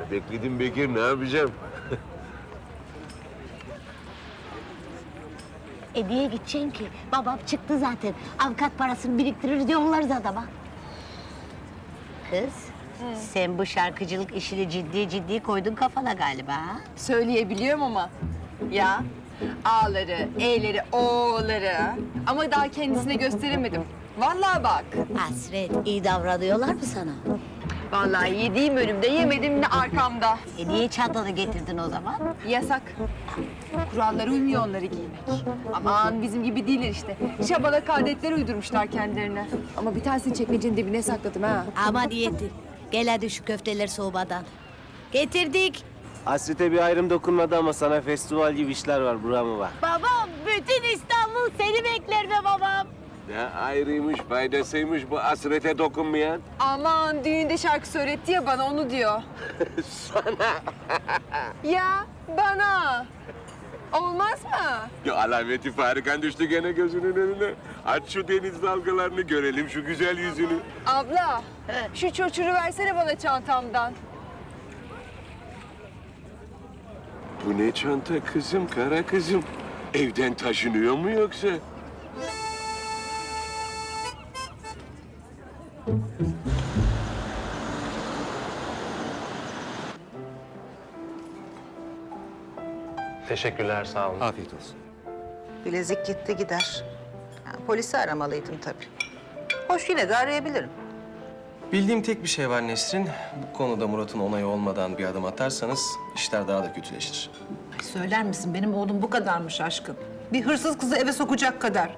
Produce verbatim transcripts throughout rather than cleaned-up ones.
Bekledim Bekir, ne yapacağım? E niye gideceksin ki? Babam çıktı zaten. Avukat parasını biriktirir yollarız adama. Kız, sen bu şarkıcılık işini ciddi ciddi koydun kafana galiba. Ha? Söyleyebiliyorum ama. Ya A'ları, E'leri, O'ları. Ama daha kendisine gösteremedim. Vallahi bak. Hasret, iyi davranıyorlar mı sana? Vallahi yediğim önümde, yemedim de arkamda. E niye çantanı getirdin o zaman? Yasak. Kurallara uymuyor onları giymek. Aman bizim gibi değiller işte. Şabalak adetler uydurmuşlar kendilerine. Ama bir tanesini çekmecenin dibine sakladım ha. Ama niyeti. Gel hadi şu köfteler soğumadan. Getirdik. Hasrete bir ayrım dokunmadı ama sana festival gibi işler var. Buramı var. Babam, bütün İstanbul seni bekler be babam. Ne ayrıymış, faydasıymış bu hasrete dokunmayan. Aman düğünde şarkı söyletti ya bana onu diyor. Sana. Ya bana. Olmaz mı? Ya alameti farikan düştü gene gözünün önüne. Aç şu deniz dalgalarını görelim şu güzel yüzünü. Abla, şu çocuğu versene bana çantamdan. Bu ne çanta kızım, kara kızım? Evden taşınıyor mu yoksa? Teşekkürler, sağ olun. Afiyet olsun. Bilezik gitti gider. Ha, polisi aramalıydım tabii. Hoş yine de arayabilirim. Bildiğim tek bir şey var Nesrin. Bu konuda Murat'ın onayı olmadan bir adım atarsanız işler daha da kötüleşir. Ay söyler misin? Benim oğlum bu kadarmış aşkım. Bir hırsız kızı eve sokacak kadar.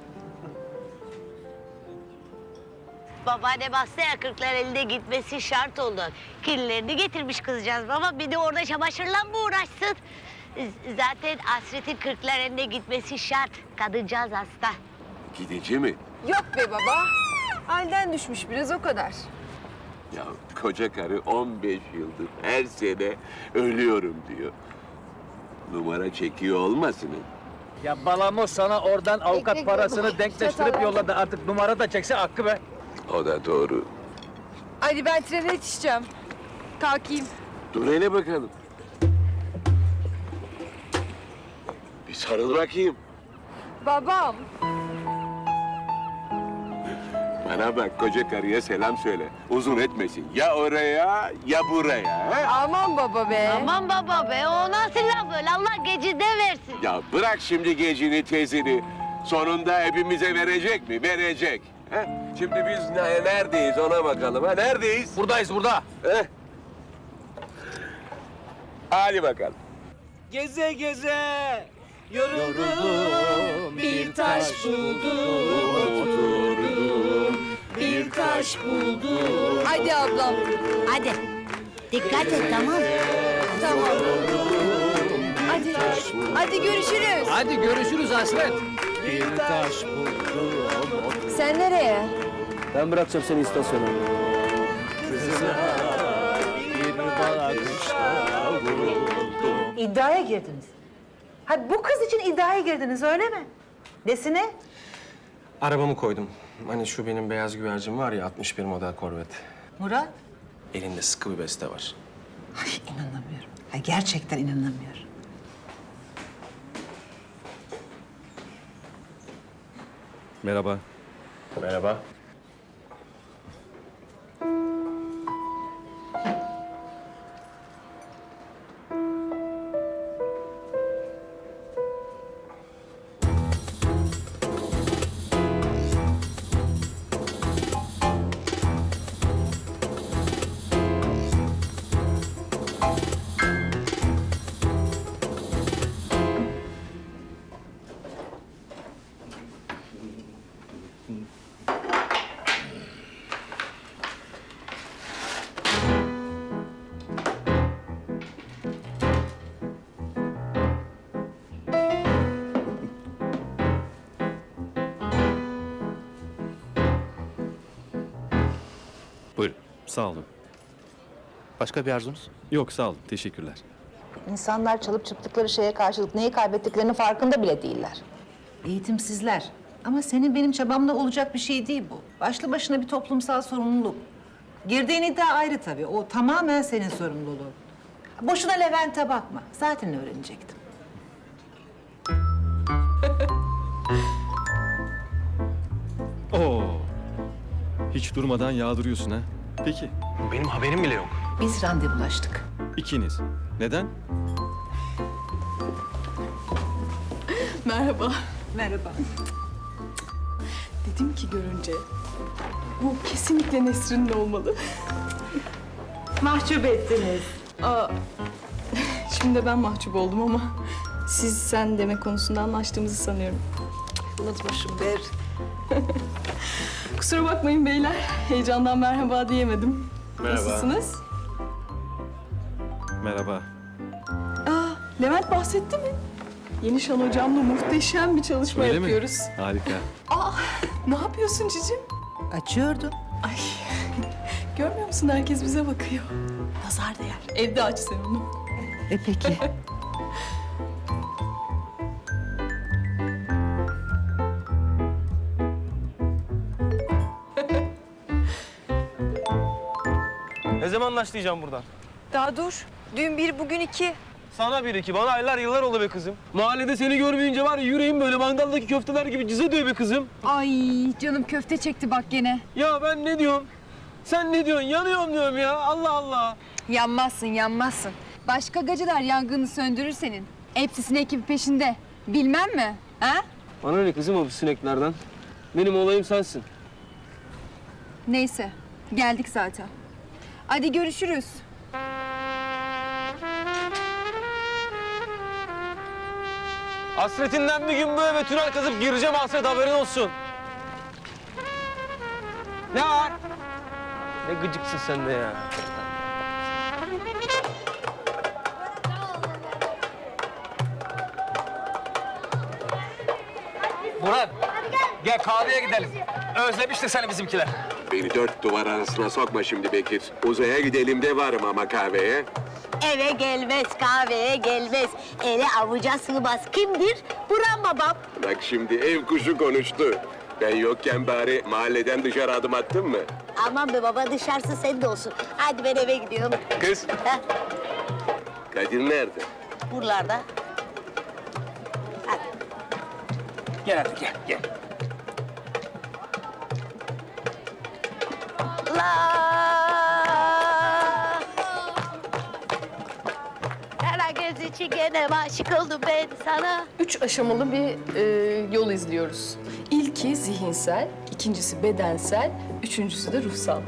Babaanne bastı ya kırklar elinde gitmesi şart oldu. Kirlilerini getirmiş kızcağız baba. Bir de orada çamaşırla mı uğraşsın? Z- Zaten Hasret'in kırklar elinde gitmesi şart. Kadıncağız hasta. Gidici mi? Yok be baba. Halden düşmüş biraz o kadar. Ya koca karı on beş yıldır her sene ölüyorum diyor. Numara çekiyor olmasın? Ya balamo sana oradan avukat Ekmek parasını yok. denkleştirip Çatal. yolladı. Artık numara da çekse hakkı be. O da doğru. Hadi ben trene yetişeceğim. Kalkayım. Dur hele bakalım. Bir sarıl bakayım. Babam. Bana bak koca karıya selam söyle. Uzun etmesin. Ya oraya ya buraya. He? Aman baba be. Aman baba be o nasıl laf öyle Allah gecide versin. Ya bırak şimdi gecini tezini. Sonunda hepimize verecek mi? Verecek. He? Şimdi biz ne- neredeyiz ona bakalım. Ha? Neredeyiz? Buradayız burada. He? Hadi bakalım. Geze geze yoruldum, bir taş buldum, oturdum, bir taş buldum. Hadi ablam. Hadi dikkat et tamam. Tamam. Hadi. Hadi görüşürüz. Hadi görüşürüz Hasret. Bir taş buldum. Sen nereye? Ben bırakacağım seni istasyona. Bir bakışta vuruldum. İddiaya girdiniz. Ha bu kız için iddiaya girdiniz öyle mi? Nesine? Arabamı koydum. Hani şu benim beyaz güvercin var ya altmış bir model Corvette. Murat? Elinde sıkı bir beste var. Ay inanamıyorum. Ay gerçekten inanamıyorum. Merhaba. Merhaba. Buyurun, sağ olun. Başka bir arzunuz? Yok, sağ olun, teşekkürler. İnsanlar çalıp çıktıkları şeye karşılık neyi kaybettiklerinin farkında bile değiller. Eğitimsizler. Ama senin benim çabamla olacak bir şey değil bu. Başlı başına bir toplumsal sorumluluk. Girdiğin iddia ayrı tabii. O tamamen senin sorumluluğun. Boşuna Levent'e bakma. Zaten öğrenecektim. Oo. Hiç durmadan yağdırıyorsun ha. Peki, Benim haberim bile yok. Biz randevulaştık. ikiniz. Neden? Merhaba. Merhaba. Dedim ki görünce bu kesinlikle Nesrin'in olmalı. Mahcup ettiniz. Aa, şimdi de ben mahcup oldum ama siz sen deme konusunda anlaştığımızı sanıyorum. Unutmuşum Ber. Kusura bakmayın beyler. Heyecandan merhaba diyemedim. Merhaba. Nasılsınız? Merhaba. Aa, Levent bahsetti mi? Yeni Şan hocamla muhteşem bir çalışma Öyle yapıyoruz. mi? Harika. Aa, ne yapıyorsun cicim? Açıyordum. Ay, görmüyor musun? Herkes bize bakıyor. Nazar değer. Evde aç sen onu. E peki. Ne zaman başlayacağım buradan? Daha dur. Dün bir, bugün iki. Sana bir iki, bana aylar yıllar oldu be kızım. Mahallede seni görmeyince var ya yüreğim böyle mangaldaki köfteler gibi cıza diyor be kızım. Ay canım köfte çekti bak gene. Ya ben ne diyorum? Sen ne diyorsun? Yanıyorum diyorum ya. Allah Allah. Yanmazsın, yanmazsın. Başka gacılar yangını söndürür senin. Hepsi sinek peşinde. Bilmem mi? Ha? Bana ne kızım o sineklerden? Benim olayım sensin. Neyse, geldik zaten. Hadi görüşürüz. Hasretinden bir gün bu eve tünel kazıp gireceğim Hasret, haberin olsun. Ne var? Ne gıcıksın sen de ya. Murat, gel kahveye gidelim. Özlemiştir seni bizimkiler. Beni dört duvar arasına sokma şimdi Bekir. Uzaya gidelim de varım ama kahveye. Eve gelmez, kahveye gelmez. Ele avuca sığmaz. Kimdir? Burhan babam. Bak şimdi ev kuşu konuştu. Ben yokken bari mahalleden dışarı adım attın mı? Aman be baba, dışarısı senin de olsun. Hadi ben eve gidiyorum. Kız, Heh, Kadir nerede? buralarda. Hadi. Gel hadi gel, gel. La. Kara göz için gene aşık oldum ben sana. Üç aşamalı bir e, yol izliyoruz. İlki zihinsel, ikincisi bedensel, üçüncüsü de ruhsal.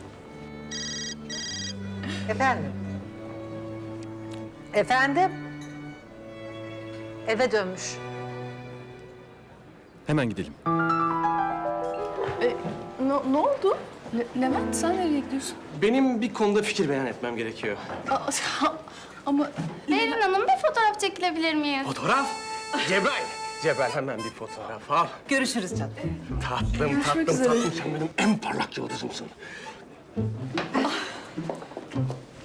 Efendim? Efendim? Eve dönmüş. Hemen gidelim. E, ne, ne oldu? Le- Levent sen nereye gidiyorsun? Benim bir konuda fikir beyan etmem gerekiyor. Aa, ama Berin Hanım, bir fotoğraf çekilebilir miyiz? Fotoğraf? Cebrail. Cebrail hemen bir fotoğraf al. Görüşürüz canım. Tatlım, tatlım, üzere. tatlım. Sen benim en parlak yıldızımsın.